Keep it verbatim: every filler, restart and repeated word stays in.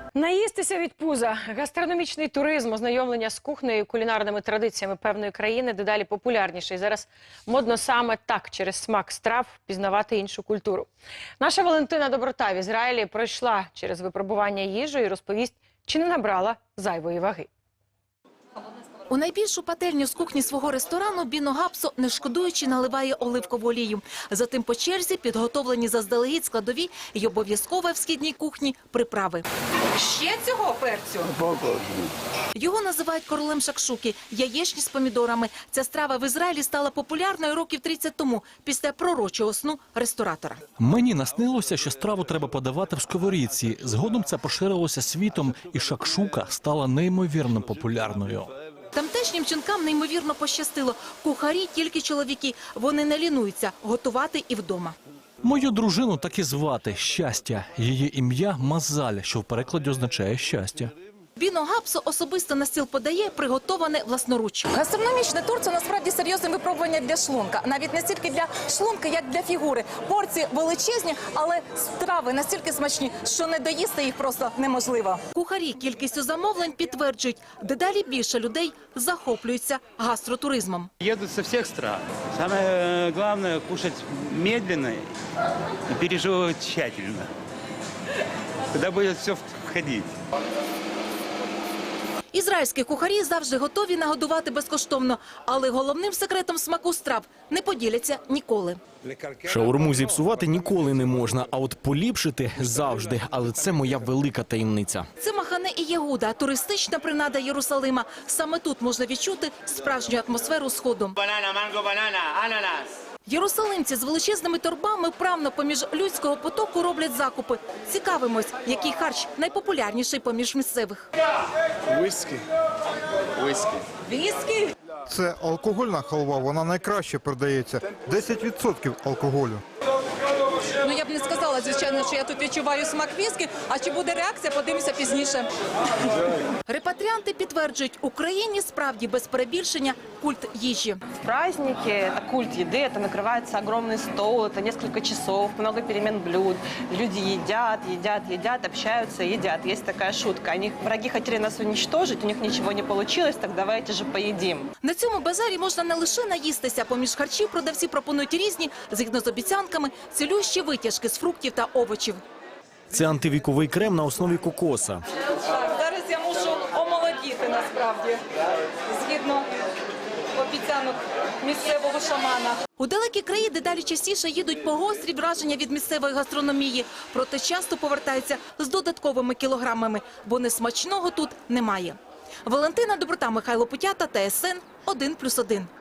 Наїстися від пуза. Гастрономічний туризм, ознайомлення з кухнею і кулінарними традиціями певної країни дедалі популярніший. Зараз модно саме так, через смак страв, пізнавати іншу культуру. Наша Валентина Доброта в Ізраїлі пройшла через випробування їжі і розповість, чи не набрала зайвої ваги. У найбільшу пательню з кухні свого ресторану Біно Гапсо, не шкодуючи, наливає оливкову олію. Затим по черзі підготовлені заздалегідь складові і обов'язкове в східній кухні приправи. Ще цього перцю? Його називають королем шакшуки – яєчні з помідорами. Ця страва в Ізраїлі стала популярною років тридцять тому, після пророчого сну ресторатора. Мені наснилося, що страву треба подавати в сковорідці. Згодом це поширилося світом, і шакшука стала неймовірно популярною. Тамтешнім жінкам неймовірно пощастило. Кухарі – тільки чоловіки. Вони не лінуються готувати і вдома. Мою дружину так і звати – Щастя. Її ім'я – Мазаль, що в перекладі означає «щастя». Біно Гапсо особисто на стіл подає приготоване власноруч. Гастрономічний тур – це насправді серйозне випробування для шлунка. Навіть не стільки для шлунка, як для фігури. Порції величезні, але страви настільки смачні, що не доїсти їх просто неможливо. Кухарі кількістю замовлень підтверджують, дедалі більше людей захоплюються гастротуризмом. Едут со всех стран. Самое главное – кушать медленно и пережевывать тщательно. Тогда будет все входить. Ізраїльські кухарі завжди готові нагодувати безкоштовно, але головним секретом смаку страв не поділяться ніколи. Шаурму зіпсувати ніколи не можна, а от поліпшити – завжди. Але це моя велика таємниця. Це Махане і Єгуда – туристична принада Єрусалима. Саме тут можна відчути справжню атмосферу Сходу. Банана, манго, банана, ананас. Єрусалимці з величезними торбами вправно поміж людського потоку роблять закупи. Цікавимось, який харч найпопулярніший поміж місцевих. Віскі. Віскі. Віскі? Це алкогольна халва, вона найкраще продається. десять відсотків алкоголю. Ну, я б не сказала, звичайно, що я тут відчуваю смак віскі, а чи буде реакція, подивимося пізніше. Репатріанти підтверджують, Україні справді без перебільшення культ їжі. В праздники это культ еды, это накрывается огромный стол, это несколько часов, много перемен блюд. Люди едят, едят, едят, общаются, едят. Есть такая шутка. Они, враги хотели нас уничтожить, у них ничего не получилось, так давайте же поедим. На цьому базарі можна не лише наїстися. Поміж харчів продавці пропонують різні, згідно з обіцянками, цілющі витяжки з фруктів та овочів. Це антивіковий крем на основі кокоса. Так, зараз я мушу омолодіти, насправді, згідно обіцянок місцевого шамана. У далекі краї дедалі частіше їдуть по гострі враження від місцевої гастрономії. Проте часто повертаються з додатковими кілограмами, бо несмачного тут немає. Валентина Доброта, Михайло Путята, Т С Н один плюс один.